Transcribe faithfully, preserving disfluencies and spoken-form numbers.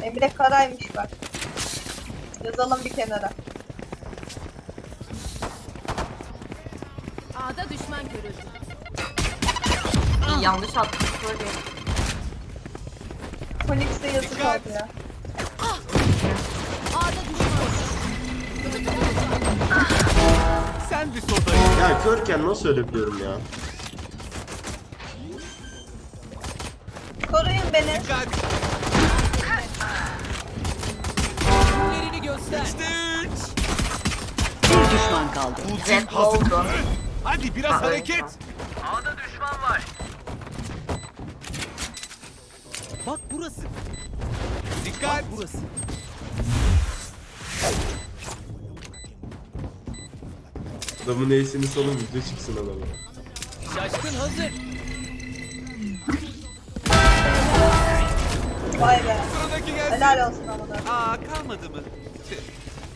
Emre Karay'mış bak. Yazalım bir kenara. A'da düşman görüldü. Yanlış attım böyle. Phoenix'e yazık oldu ya. A'da düşman. Sen bir sodayı. Ya körken nasıl ölebiliyorum ya? Koruyun beni. Dikkat. Yerini göster. İşte üç. Bir düşman kaldı. Jet oldu. Hadi biraz Ha, hareket. evet. Bak burası. Dikkat. Bak burası. Adamın ace'ini salın video çıksın adamı. Şaşkın hazır. Vay be. Sıradaki gelsin. Helal olsun ama da. Aa kalmadı mı? Tüh.